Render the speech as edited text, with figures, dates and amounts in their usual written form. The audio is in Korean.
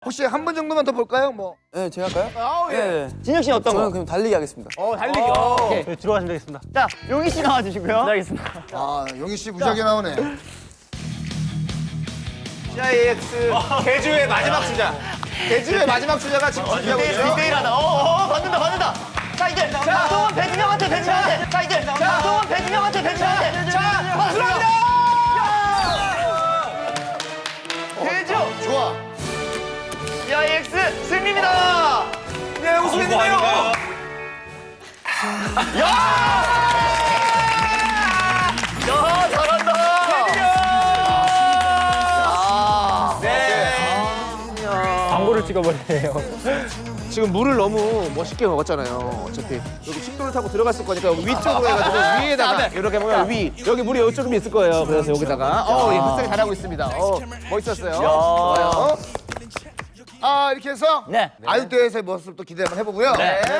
혹시 한 번 정도만 더 볼까요? 뭐. 네, 제가 할까요? 아, 예. 네. 진혁 씨는 어떤 저는 거? 그럼 달리기 하겠습니다. 달리기. 오케이. 네, 들어가시면 되겠습니다. 자, 용희 씨 나와주시고요. 네, 알겠습니다. 아, 용희 씨 무지하게 나오네. CIX 개주의 마지막 주자. 개주의 마지막 주자가 지금 준비하고 있죠. 디테일하다. 받는다. 자, 이제 박동원 배진영한테. 자, 이제 박동원 배진영한테. 자, 박수합니다. 개주 좋아. CIX 승리입니다. 네, 우승했네요. 야, 잘한다. 광고를 찍어버리네요. 지금 물을 너무 멋있게 먹었잖아요. 어차피 여기 식도를 타고 들어갔을 거니까 위쪽으로 해가지고 위에다가 이렇게 보면 위 여기 물이 이쪽에 있을 거예요. 그래서 여기다가 예, 흡수하게 잘하고 있습니다. 멋있었어요. 좋아요. 아, 이렇게 해서 네. 아육대에서의 모습 또 기대 한번 해보고요. 네.